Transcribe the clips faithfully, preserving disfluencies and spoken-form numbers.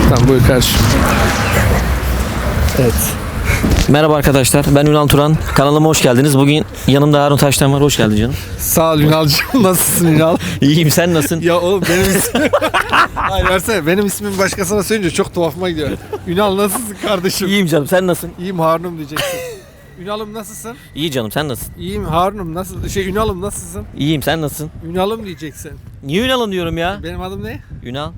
Tamam buyur kardeşim. Evet. Merhaba arkadaşlar, ben Ünal Turan. Kanalıma hoş geldiniz. Bugün yanımda Harun Taştan var. Hoş geldin canım. Sağ ol Ünal'cığım. Nasılsın Ünal? İyiyim, sen nasılsın? Ya oğlum benim ismim... Hayır versene. Benim ismimi başkasına söyleyince çok tuhafıma gidiyor. Ünal nasılsın kardeşim? İyiyim canım, sen nasılsın? İyiyim Harun'um diyeceksin. Ünal'ım nasılsın? İyi canım, sen nasılsın? İyiyim Harun'um nasıl? Şey Ünal'ım nasılsın? İyiyim, sen nasılsın? Ünal'ım diyeceksin. Niye Ünal'ım diyorum ya? Benim adım ne? Ünal.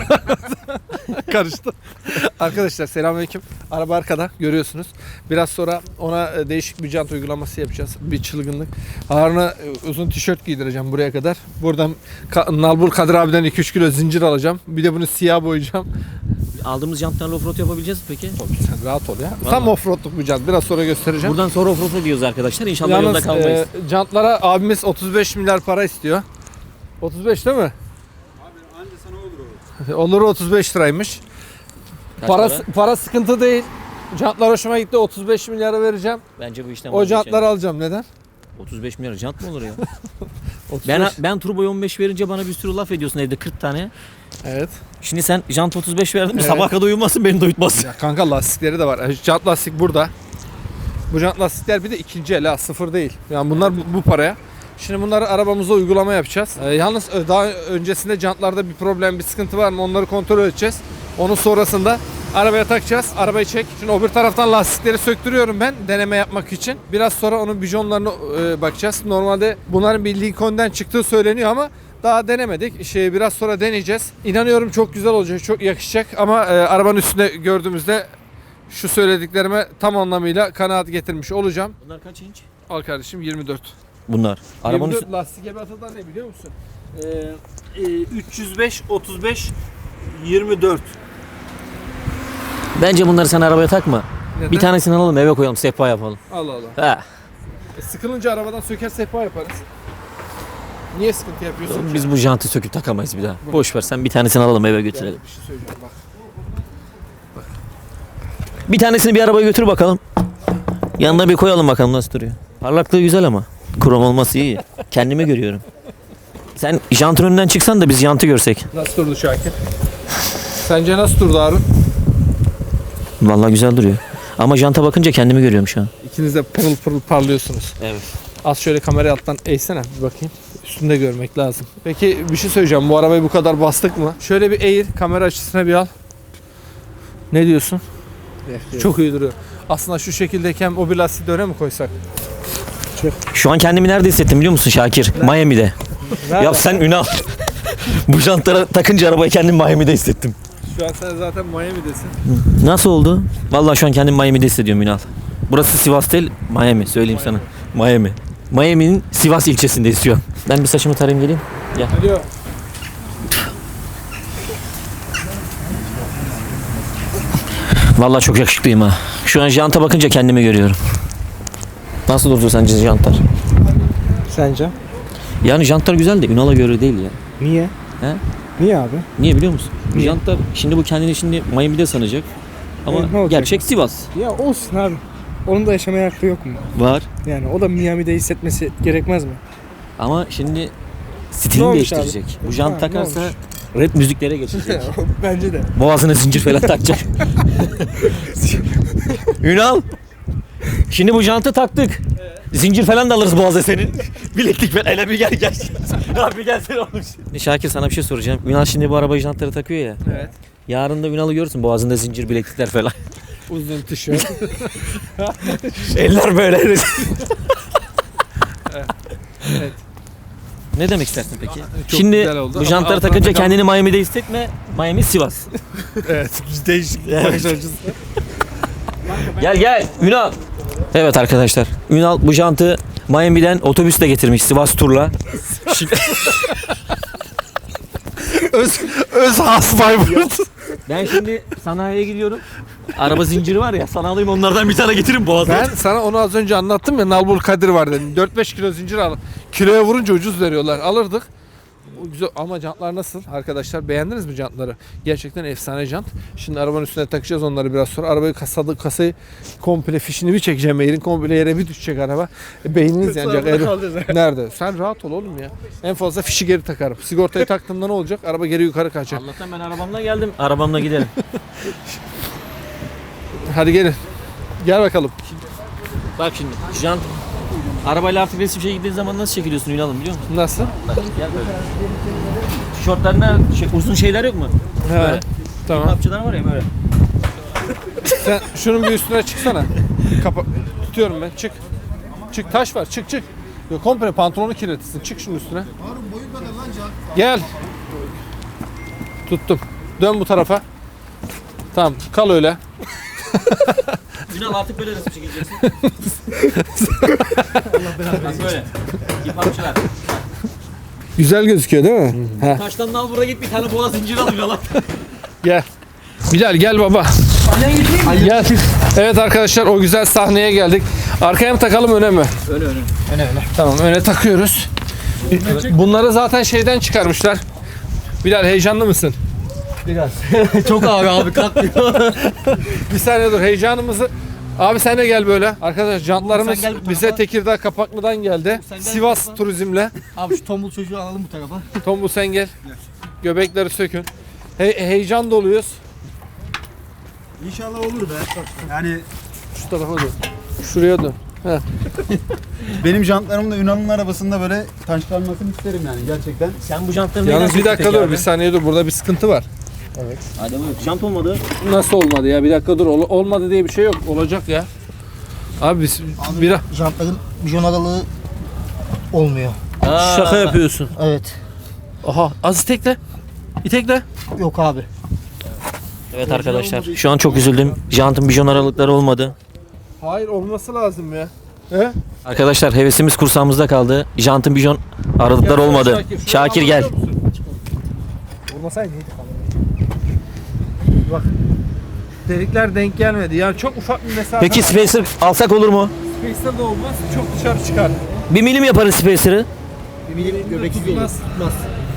Karıştı. Arkadaşlar selamünaleyküm. Araba arkada görüyorsunuz. Biraz sonra ona değişik bir jant uygulaması yapacağız. Bir çılgınlık. Harun'a uzun tişört giydireceğim buraya kadar. Buradan Ka- Nalbur Kadir abiden iki üç kilo zincir alacağım. Bir de bunu siyah boyayacağım. Aldığımız jantlarla offroad yapabileceğiz mi peki? Sen rahat ol ya. Vallahi. Tam offroadluk bir jant. Biraz sonra göstereceğim. Buradan sonra offroad'a gidiyoruz arkadaşlar. İnşallah yolda Yalnız kalmayız. e, jantlara abimiz otuz beş milyar para istiyor. otuz beş değil mi? Abi anca sana olur o. Olur otuz beş liraymış. Kaç Para, para? para sıkıntı değil. Jantlar hoşuma gitti. otuz beş milyara vereceğim. Bence bu işten O jantları alacağım. Neden? otuz beş milyar jant mı olur ya? otuz beş. ben ben turboyu on beş verince bana bir sürü laf ediyorsun evde kırk tane. Evet. Şimdi sen jant otuz beş verdin mi? Evet. Sabaha kadar uyumazsın, beni de uyutmazsın. Ya kanka lastikleri de var. Jant lastik burada. Bu jant lastikler bir de ikinci el ha, sıfır değil. Yani bunlar bu, bu paraya. Şimdi bunları arabamıza uygulama yapacağız. Ee, yalnız daha öncesinde jantlarda bir problem, bir sıkıntı var mı onları kontrol edeceğiz. Onun sonrasında arabaya takacağız. Arabayı çek. Şimdi öbür taraftan lastikleri söktürüyorum ben deneme yapmak için. Biraz sonra onun bijonlarına e, bakacağız. Normalde bunların bir Lincoln'den çıktığı söyleniyor ama daha denemedik. Şey biraz sonra deneyeceğiz. İnanıyorum çok güzel olacak, çok yakışacak ama e, arabanın üstünde gördüğümüzde şu söylediklerime tam anlamıyla kanaat getirmiş olacağım. Bunlar kaç inç? Al kardeşim yirmi dört. Bunlar. Arabanın yirmi dört üstü... lastik ebatı da ne biliyor musun? Ee, e, üç yüz beş, otuz beş, yirmi dört. Bence bunları sen arabaya takma. Neden? Bir tanesini alalım eve koyalım, sehpa yapalım. Allah Allah. Ha. E, sıkılınca arabadan söker sehpa yaparız. Niye sıkıntı yapıyorsun ki? Biz bu jantı söküp takamayız bir daha. Boş ver, sen bir tanesini alalım eve götürelim. Bir şey söyleyeceğim bak. Bir tanesini bir arabaya götür bakalım. Yanına bir koyalım bakalım nasıl duruyor. Parlaklığı güzel ama. Krom olması iyi. Kendimi görüyorum. Sen jantın önünden çıksan da biz jantı görsek. Nasıl durdu Şakir? Sence nasıl durdu Harun? Vallahi güzel duruyor. Ama janta bakınca kendimi görüyorum şu an. İkiniz de pırıl pırıl parlıyorsunuz. Evet. Az şöyle kamerayı alttan eğsene bir bakayım. Üstünde görmek lazım. Peki bir şey söyleyeceğim. Bu arabayı bu kadar bastık mı? Şöyle bir eğir. Kamera açısına bir al. Ne diyorsun? Çok iyi duruyor. Aslında şu şekildeyken o bir lastiği de öne mi koysak? Şu an kendimi nerede hissettim biliyor musun Şakir? Miami'de. Ya sen Ünal. Bu jantlara takınca arabayı kendimi Miami'de hissettim. Şu an sen zaten Miami'desin. Nasıl oldu? Vallahi şu an kendimi Miami'de hissediyorum Ünal. Burası Sivas değil, Miami. Söyleyeyim sana. Miami. Miami'nin Sivas ilçesindeyiz şu an. Ben bir saçımı tarayayım geleyim. Alo. Vallahi çok yakışıklıyım ha. Şu an janta bakınca kendimi görüyorum. Nasıl durdu sence jantlar? Sence? Yani jantlar güzel de Ünal'a göre değil ya. Niye? He? Niye abi? Niye biliyor musun? Bu Niye? jantlar şimdi bu kendini şimdi Miami'de sanacak. Ama E, ne olacak? gerçek Sivas. Ya olsun abi. Onun da yaşamaya hakkı yok mu? Var. Yani o da Miami'de hissetmesi gerekmez mi? Ama şimdi Ne stilini olmuş değiştirecek. abi? Bu jant Ha, ne takarsa olmuş? rap müziklere geçecek. Bence de. Boğazına zincir falan takacak. Ünal. Şimdi bu jantı taktık. Zincir falan da alırız boğaza senin. Bileklik falan. Hele bir gel gel. Abi gelsene oğlum. Şakir sana bir şey soracağım. Ünal şimdi bu araba jantları takıyor ya. Evet. Yarın da Ünal'ı görürsün boğazında zincir bileklikler falan. Uzun tişört. Eller böyle. Evet. Ne demek istersin peki? Çok Şimdi güzel oldu bu ama jantları altına takınca takalım. kendini Miami'de hissetme. Miami Sivas. Evet. Değişik bir Evet. bakış açısı. Gel gel Ünal. Evet arkadaşlar. Ünal bu jantı Miami'den otobüsle getirmiş Sivas turla. Şimdi- Öz, öz has Bayburt. ben şimdi sanayiye gidiyorum. Araba zinciri var ya sana alayım onlardan bir tane getirin boğazına. Ben sana onu az önce anlattım ya Nalbur Kadir var dedim. dört beş kilo zincir al. Kiloya vurunca ucuz veriyorlar. Alırdık. O güzel ama jantlar nasıl arkadaşlar? Beğendiniz mi jantları? Gerçekten efsane jant. Şimdi arabanın üstüne takacağız onları biraz sonra. Arabayı kasadı, kasayı komple fişini bir çekeceğim Eğrin. Komple yere bir düşecek araba. E, beyniniz yanacak. Eğrin. Nerede? Sen rahat ol oğlum ya. En fazla fişi geri takarım. Sigortayı taktığımda ne olacak? Araba geri yukarı kaçacak. Allah'tan ben arabamla geldim. Arabamla gidelim. Hadi gelin. Gel bakalım. Bak şimdi jant. Arabayla artık resim şey gittiğin zaman nasıl çekiliyorsun Ünal'ım biliyor musun? Nasıl? Bak gel böyle. Tişörtlerinde şey, uzun şeyler yok mu? He. Böyle. Tamam. Kapçılar var ya böyle. Sen şunun bir üstüne çıksana. Kapa tutuyorum ben. Çık. Çık taş var. Çık çık. Yok komple pantolonu kirletirsin. Çık şunun üstüne. Gel. Tuttum. Dön bu tarafa. Tamam. Kal öyle. Ünal artık böyle resim çekileceksin. Bak böyle. Kipapçılar. Güzel gözüküyor değil mi? He. Taştan al buraya git bir tane boğa zincir al Ünal'a. Gel. Bilal gel baba. Gel. Evet arkadaşlar o güzel sahneye geldik. Arkaya mı takalım öne mi? Öyle öyle. Öne öne. Tamam öne takıyoruz. Bunları zaten şeyden çıkarmışlar. Bilal heyecanlı mısın? Biraz. Çok ağır abi kalkmıyor. Bir saniye dur heyecanımızı. Abi sen de gel böyle. Arkadaşlar jantlarımız Sen gel bu bize tarafa. Tekirdağ Kapaklı'dan geldi. Sen gel Sivas bu tarafa. turizmle. Abi şu tombul çocuğu alalım bu tarafa. Tombul sen gel. Göbekleri sökün. He- heyecan doluyuz. İnşallah olur be. Yani Şu tarafa dön. Şuraya dön. benim jantlarım da Ünal'ın arabasında böyle taşlanmasını isterim yani gerçekten. Sen bu jantları Yalnız bir dakika dur. Bir saniye dur. Burada bir sıkıntı var. Hadi buyur. Jant olmadı. Nasıl olmadı ya? Bir dakika dur. Ol- olmadı diye bir şey yok. Olacak ya. Abi biz bir Jantların bijon aralığı olmuyor. şaka yapıyorsun. Evet. Aha az itekle. İtekle. Yok abi. Evet arkadaşlar şu an çok üzüldüm. Jantın bijon aralıkları olmadı. Hayır olması lazım ya. He? Arkadaşlar hevesimiz kursağımızda kaldı. Jantın bijon aralıkları olmadı. Şakir, şunu Şakir gel. alabiliyor musun? Olmasaydı neydi falan. Bak. Delikler denk gelmedi. Yani çok ufak bir mesafe. Peki spacer alsak olur mu? Space'de de olmaz. Çok dışarı çıkar. Bir milim yaparız spacer'ı. Bir milim göbeksiz olur. Tutmaz. Tutmaz.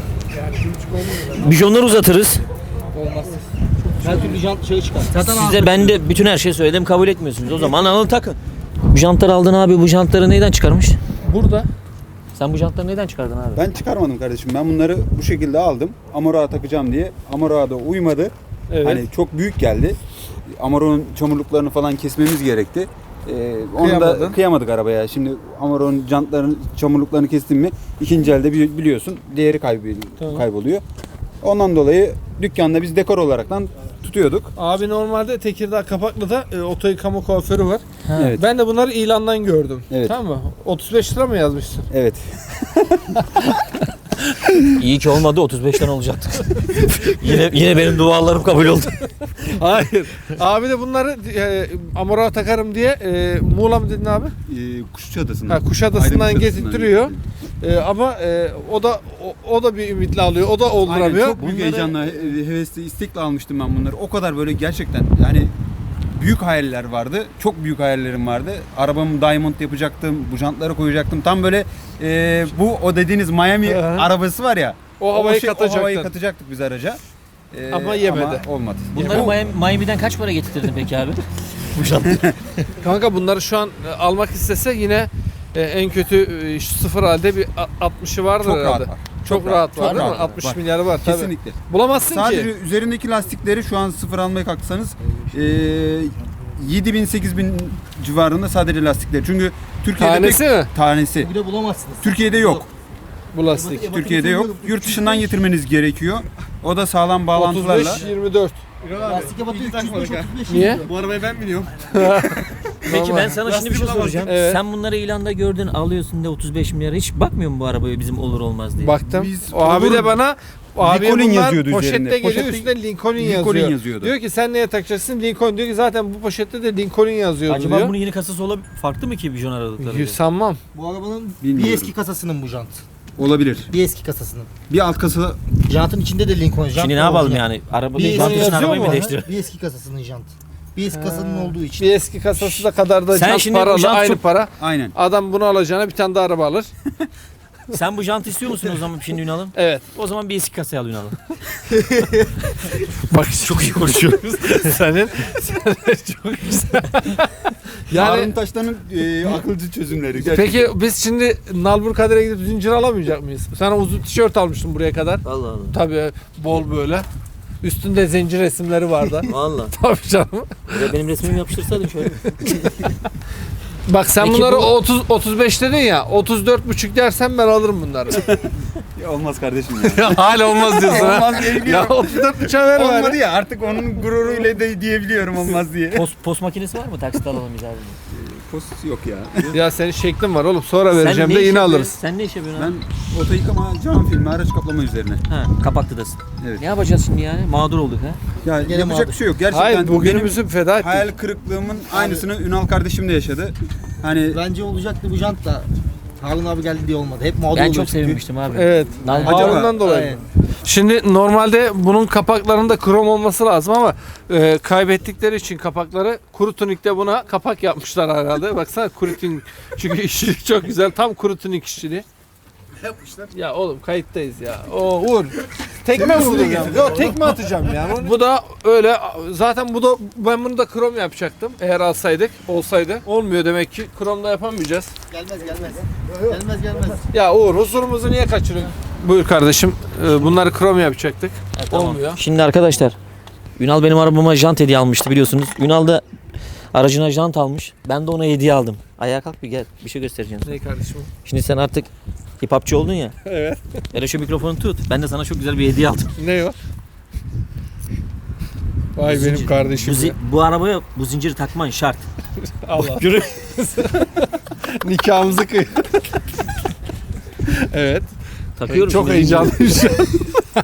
Bijonları uzatırız. Olmaz. Her türlü jant şey çıkar. Zaten Size ben de bütün her şeyi söyledim kabul etmiyorsunuz. O zaman alın takın. Bu jantları aldın abi. Bu jantları neyden çıkarmış? Burada. Sen bu jantları neyden çıkardın abi? Ben çıkarmadım kardeşim. Ben bunları bu şekilde aldım. Amor'a takacağım diye. Amor'a da uymadı. Evet. Hani çok büyük geldi. Amarok'un çamurluklarını falan kesmemiz gerekti. Ee, onu Kıyamadın. da kıyamadık arabaya. Şimdi Amarok'un jantlarını, çamurluklarını kestim mi ikinci elde bili- biliyorsun değeri kaybı- Tamam. kayboluyor. Ondan dolayı dükkanda biz dekor olaraktan tutuyorduk. Abi normalde Tekirdağ Kapaklı'da e, oto yıkama kuaförü var. Evet. Ben de bunları ilandan gördüm. Evet. Tamam mı? otuz beş lira mı yazmışsın? Evet. İyi ki olmadı otuz beşten olacaktık. yine yine benim dualarım kabul oldu. Hayır. Abi de bunları e, Amor'a takarım diye e, Muğla mı dedin abi? Ee, Kuşadası'ndan. Ha, Kuşadası'ndan Aydın getirtiyor. E, ama e, o da o, o da bir ümitle alıyor. O da Aynen, olduramıyor. çok büyük Bunları- heyecanla, he- hevesli, istekle almıştım ben bunları. O kadar böyle gerçekten yani büyük hayaller vardı. Çok büyük hayallerim vardı. Arabamı diamond yapacaktım, bu jantları koyacaktım. Tam böyle e, bu o dediğiniz Miami Hı hı. arabası var ya. O havayı şey- O katacaktın. havayı katacaktık biz araca. E, Ama yemedi. Ama olmadı. Bunları Bu- Miami- Miami'den kaç para getirdin peki abi? Kanka bunları şu an e, almak istese yine e, en kötü e, şu sıfır halde bir a- altmışı vardır çok herhalde. rahat var. Çok, rahat var çok değil mi? rahat var. altmış Var. milyarı var tabii. Kesinlikle. Bulamazsın Sadece ki. üzerindeki lastikleri şu an sıfır almaya kalksanız e, yedi bin sekiz bin civarında sadece lastikleri. Çünkü Türkiye'de Tanesi pek- mi? tanesi. bir de bulamazsınız. Türkiye'de yok. Bu lastik. Türkiye'de yok. Yurt dışından getirmeniz gerekiyor. O da sağlam bağlantılarla. otuz beş yirmi dört. Lastik yabatı üç yüz beş otuz beş. Niye? Bu arabayı ben biniyorum. Peki ben sana şimdi bir şey soracağım. Evet. Sen bunları ilanda gördün alıyorsun da otuz beş milyara hiç bakmıyor musun bu arabaya bizim olur olmaz diye? Baktım. Biz o abi olur- de bana o abi Lincoln bunlar yazıyordu poşette üzerinde. geliyor Poşette- üstünde Lincoln, Lincoln yazıyor. yazıyordu. Diyor ki sen neye takacaksın Lincoln diyor ki zaten bu poşette de Lincoln yazıyor Acaba diyor. bunun yeni kasası olabilir farklı mı ki bijon aralıkları? Yüz sanmam. Bu arabanın Bilmiyorum. bir eski kasasının bu jant. Olabilir. Bir eski kasasının. Bir alt kasa Jantın içinde de Lincoln jant. Şimdi ne var yapalım orijinal. yani? Araba Bir jant için yazıyor arabayı mu? mı değiştirelim? Bir eski kasasının jant. Bir eski kasanın olduğu için. Bir eski kasası da kadar da Sen jant şimdi bu paralı jant aynı çok- para. aynen. Adam bunu alacağına bir tane daha araba alır. Sen bu jantı istiyor musun o zaman şimdi Ünal'ım? Evet. O zaman bir eski kasaya al Ünal'ım. Bak Çok iyi konuşuyoruz. senin, senin çok güzel. Yani Yani Taştan'ın e, akılcı çözümleri. peki biz şimdi Nalbur Kader'e gidip zincir alamayacak mıyız? Sana uzun tişört almıştım buraya kadar. Allah Allah. Tabii bol böyle. Üstünde zincir resimleri vardı. Valla. Tabii canım. Benim resmimi yapıştırsaydın şöyle. Bak sen Peki bunları bu- otuz otuz beş dedin ya. otuz dört buçuk dersen ben alırım bunları. Olmaz kardeşim ya. Hala olmaz diyorsun ha. Olmaz diyebiliyorum. Ya otuz dört buçuğa ver Olmadı bari. ya artık onun gururuyla de diyebiliyorum olmaz diye. Post, post makinesi var mı? Taksit alalım biz abi. Post yok ya. Ya senin şeklin var oğlum. Sonra vereceğim ne de iş yine yapıyorsun? alırız. Sen ne iş yapıyorsun abi? Ben oto yıkama, cam filmi, araç kaplama üzerine. Ha, kapaklıdasın. Evet. Ne yapacağız şimdi yani? Mağdur olduk ha. Ya Gene yapacak mağdur. bir şey yok. Gerçekten Hayır benim bugünümüzü feda ettik. hayal kırıklığımın aynısını Ünal kardeşim de yaşadı. Hani Bence olacaktı bu jant da. Harun abi geldi diye olmadı. Hep mağdur Ben oluyor çok çünkü. sevinmiştim abi. Evet. Lan- Harun'dan dolayı. Aynen. Şimdi normalde bunun kapaklarında krom olması lazım ama e, kaybettikleri için kapakları kuru tunikte buna kapak yapmışlar herhalde. Baksana kuru tunik. Çünkü işçilik çok güzel. Tam kuru tunik işçiliği. yapmışlar. Ya oğlum kayıttayız ya. O Uğur. Tekme vuracağım. Yok tekme atacağım ya. Bu da öyle. Zaten bu da ben bunu da krom yapacaktım. Eğer alsaydık olsaydı. Olmuyor demek ki. Kromda yapamayacağız. Gelmez gelmez. Gelmez gelmez. Ya Uğur huzurumuzu niye kaçırıyorsun? Buyur kardeşim. Ee, Bunları krom yapacaktık. Ha, tamam. Olmuyor. Şimdi arkadaşlar Ünal benim arabama jant hediye almıştı biliyorsunuz. Ünal da aracına jant almış. Ben de ona hediye aldım. Ayağa kalk bir gel. Bir şey göstereceğim sana. Ne kardeşim? Şimdi sen artık hip hopçı oldun ya. Evet. Hele şu mikrofonu tut. Ben de sana çok güzel bir hediye aldım. Ne o? Vay Bu benim zincir- kardeşim. Bu, zi- ya. bu arabaya bu zinciri takman şart. Allah. Görün. Nikahımızı kıy. Evet. Takıyorum. Çok şimdi. heyecanlıyım şu an.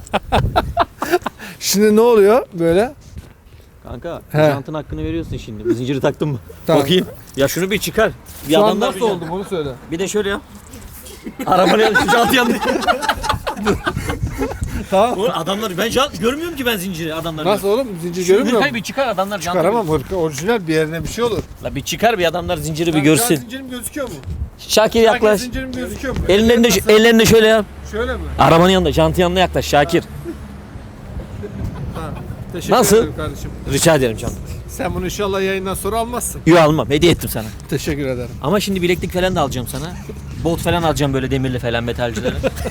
Şimdi ne oluyor böyle? Kanka He. jantın hakkını veriyorsun şimdi. Bu zinciri taktın mı? Tamam. Bakayım. Ya şunu bir çıkar. Bir Şu an adamlar nasıl bir, oldu bunu söyle. bir de şöyle yap. Arabanın yanı şu jantı yandı. Tamam. Oğlum adamlar ben jant görmüyorum ki ben zinciri adamlar. Nasıl oğlum? Zincir Şunu görünmüyor hırkayı mu? bir çıkar adamlar jantı. Çıkaramam hırka orijinal bir yerine bir şey olur. La bir çıkar bir adamlar zinciri bir Şu an görsün. zincirim gözüküyor mu? Şakir Yaklaş. yaklaş. Zincirim gözüküyor mu? Ellerinde Nasıl? ellerinde şöyle yap. Şöyle mi? Arabanın yanında, jantın yanına yaklaş Şakir. Teşekkür Nasıl? ederim kardeşim. Rica ederim canım. Sen bunu inşallah yayından sonra almazsın. Yok almam. Hediye ettim sana. Teşekkür ederim. Ama şimdi bileklik falan da alacağım sana. Bot falan alacağım böyle demirli falan metalcilere.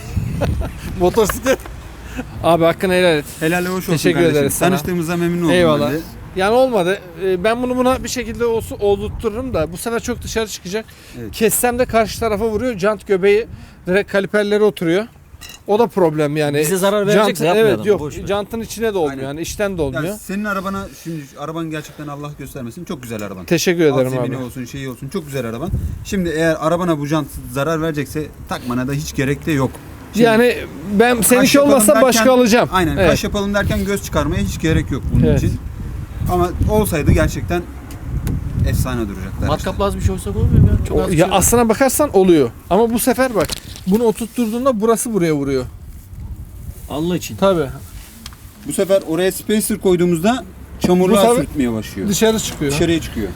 Motosiklet. Abi hakkını helal et. Helal hoş olsun Teşekkür kardeşim. ederiz sana. Tanıştığımıza memnun oldum Eyvallah. ben de. Yani olmadı. Ee, Ben bunu buna bir şekilde olsun oldurturum da bu sefer çok dışarı çıkacak. Evet. Kessem de karşı tarafa vuruyor. Jant göbeği direkt kaliperlere oturuyor. O da problem yani. Bize zarar Jant- verecekse yapmayalım. Evet yok. Boş ver. Jantın içine de olmuyor. Aynen. Yani içten de olmuyor. Ya senin arabana şimdi araban gerçekten Allah göstermesin çok güzel araban. Teşekkür Alt ederim zemini abi. olsun şeyi olsun çok güzel araban. Şimdi eğer arabana bu jant zarar verecekse takmana da hiç gerek de yok. Şimdi Yani ben kaş seninki yapalım olmasa başka derken- alacağım. Aynen Evet. kaş yapalım derken göz çıkarmaya hiç gerek yok bunun Evet. için. Ama olsaydı gerçekten efsane duracaklar. Matkapla az bir şey olsa olur mu ya? Çok O- az bir ya şey var. aslına bakarsan oluyor. Ama bu sefer bak bunu oturtturduğunda burası buraya vuruyor. Allah için. Tabii. Bu sefer oraya spacer koyduğumuzda çamurluğa Bu sefer- sürtmeye başlıyor. Dışarı çıkıyor. Dışarıya çıkıyor.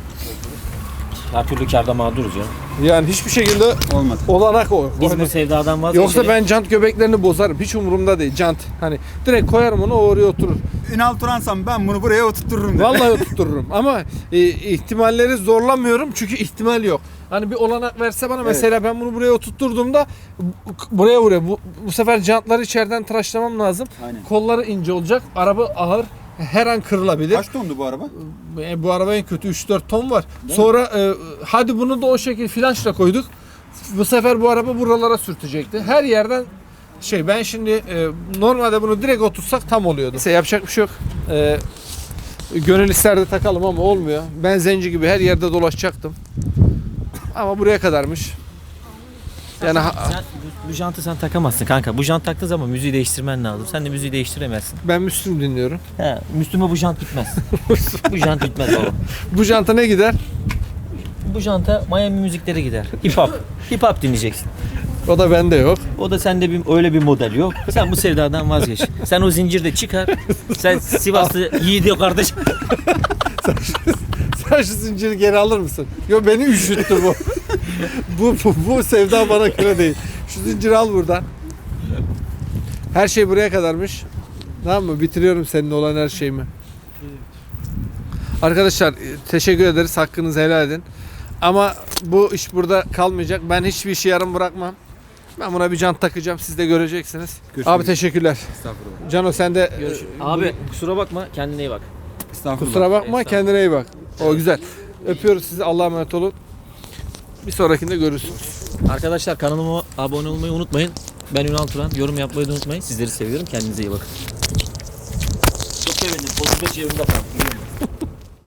Her türlü kârda mağduruz ya. Yani hiçbir şekilde Olmadı. olanak o. Biz Hani- bu sevdadan vazgeçelim. Yoksa ben jant göbeklerini bozarım. Hiç umurumda değil jant. Hani direkt koyarım onu o oraya oturur. Ünal Turansam ben bunu buraya oturturum dedi. Vallahi oturturum ama e, ihtimalleri zorlamıyorum çünkü ihtimal yok. Hani bir olanak verse bana mesela ben bunu buraya oturtturduğumda bu- buraya vuruyor. Bu, bu sefer jantları içeriden tıraşlamam lazım. Aynen. Kolları ince olacak. Araba ağır. Her an kırılabilir. Kaç tondu bu araba? E, bu araba en kötü üç dört ton var. Sonra e, hadi bunu da o şekilde flanşla koyduk. Bu sefer bu araba buralara sürtecekti. Her yerden şey ben şimdi e, normalde bunu direkt otursak tam oluyordu. Neyse yapacak bir şey yok. E, gönül isterdi takalım ama olmuyor. Ben zenci gibi her yerde dolaşacaktım. Ama buraya kadarmış. Yani ha- Sen, bu, bu jantı sen takamazsın kanka. Bu jant taktığın zaman müziği değiştirmen lazım. Sen de müziği değiştiremezsin. ben Müslüm dinliyorum. He, Müslüme bu jant gitmez. bu jant gitmez oğlum. Bu janta ne gider? Bu janta Miami müzikleri gider. Hip hop. Hip hop dinleyeceksin. O da bende yok. O da sende bir, öyle bir model yok. Sen bu sevdadan vazgeç. Sen o zincirde çıkar. Sen Sivaslı yiğidi kardeş. Sen şu zinciri geri alır mısın? Yo beni üşüttü bu. bu, bu. Bu sevda bana göre değil. Şu Şu zinciri al buradan. Her şey buraya kadarmış. Tamam mı? Bitiriyorum seninle olan her şeyimi. Arkadaşlar teşekkür ederiz. Hakkınızı helal edin. Ama bu iş burada kalmayacak. Ben hiçbir işi yarım bırakmam. Ben buna bir jant takacağım. Siz de göreceksiniz. Görüşmek Abi üzere. teşekkürler. Estağfurullah. Cano sen de e, Abi kusura bakma kendine iyi bak. Estağfurullah. kusura bakma, kendine iyi bak. O güzel. Öpüyoruz sizi. Allah'a emanet olun. Bir sonrakinde görürsünüz. Arkadaşlar kanalıma abone olmayı unutmayın. Ben Ünal Turan. Yorum yapmayı da unutmayın. Sizleri seviyorum. Kendinize iyi bakın. Çok sevindim. otuz beş yılında falan.